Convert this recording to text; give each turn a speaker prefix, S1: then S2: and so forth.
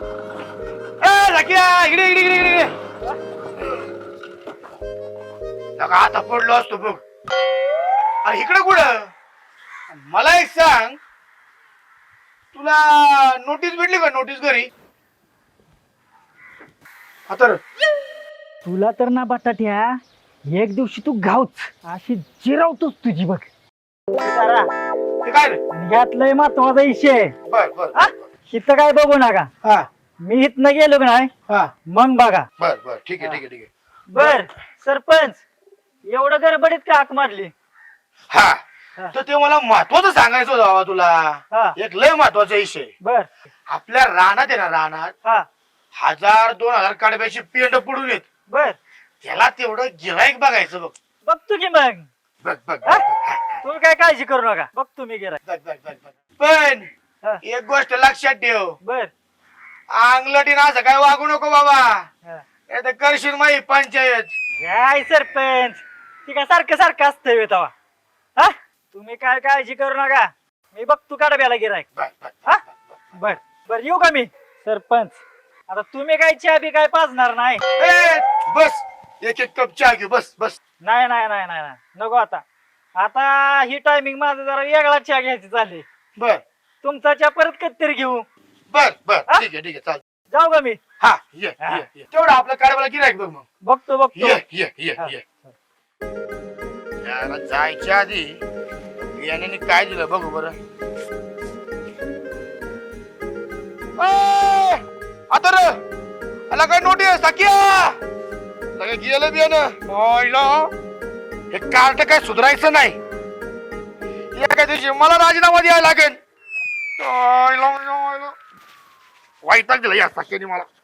S1: सख्या इकडे इकडे इकडे इकडे लगा आता पडलो असतो बघ. अरे इकडे कुठं मला एक सांग, तुला नोटीस भेटली का? नोटीस घरी आता
S2: तुला तर ना बटाट्या एक दिवशी तू गावच अशी जिरावतोस तुझी बघ.
S1: ते काय रे?
S2: आणि यात लय महत्वाचा विषय आहे.
S1: बर बर
S2: हा? इथं काय बघू नका.
S1: हा
S2: मी इथनं गेलो का नाही
S1: हा
S2: मग बघा.
S1: बर बर ठीक आहे ठीक आहे ठीक आहे.
S2: बर सरपंच एवढं गडबडीत का हाक मारली?
S1: हा तर ते मला महत्वाचं सांगायचं होतं बाबा तुला.
S2: हा.
S1: एक लय महत्वाचा विषय.
S2: बर
S1: आपल्या रानात आहे ना, रानात
S2: हा
S1: 1000-2000 कडब्याची पेंड पडून येत.
S2: बर
S1: त्याला तेवढं गिराईक बघायचं बघ.
S2: बघतो की मग.
S1: बघ बघ
S2: हा?
S1: बघ
S2: तू काय काळजी करू नका बघतो मी गिराय.
S1: बघ बघ बघ बघ. पण
S2: हा.
S1: एक गोष्ट लक्षात ठेव,
S2: बर
S1: अंगलटीन असं काय वागू नको बाबा.
S2: हा.
S1: नाही तर करशील माही पंचायत.
S2: काय सरपंच ती काय सारखं सारखं असतंय तवा. हा तुम्ही काय काळजी करू नका मी बघतो कडब्याला गिराय.
S1: बघ, बघ,
S2: हा?
S1: बघ, बघ.
S2: बर बर येऊ का मी? सरपंच आता तुम्ही काय चहा बी काय पाजणार नाही?
S1: ए, बस एक एक कप चहा घेऊ. बस बस.
S2: नाही नाही नाही नाही नाही. नको आता. आता ही टायमिंग माझं जरा वेगळा चहा घ्यायची चालली.
S1: बर
S2: तुमचा चहा परत कधीतरी घेऊ.
S1: बर बर
S2: हा?
S1: ठीक आहे ठीक आहे चाल.
S2: जाऊ का मी?
S1: हा ये
S2: हा.
S1: ये ये. तेवढं आपलं कारभाला गिराईक बघ मग.
S2: बघतो बघतो.
S1: ये ये ये
S2: हा.
S1: ये. याला जायच्या आधी याने काय दिलं बघू बरं. आता रे आला काय नोटीस सख्या लगे गेलं बियाणं. हे कार्ड काय सुधारायचं नाही. एका दिवशी मला राजीनामा द्यायला लागेल. वाईट दिला या सख्याने मला.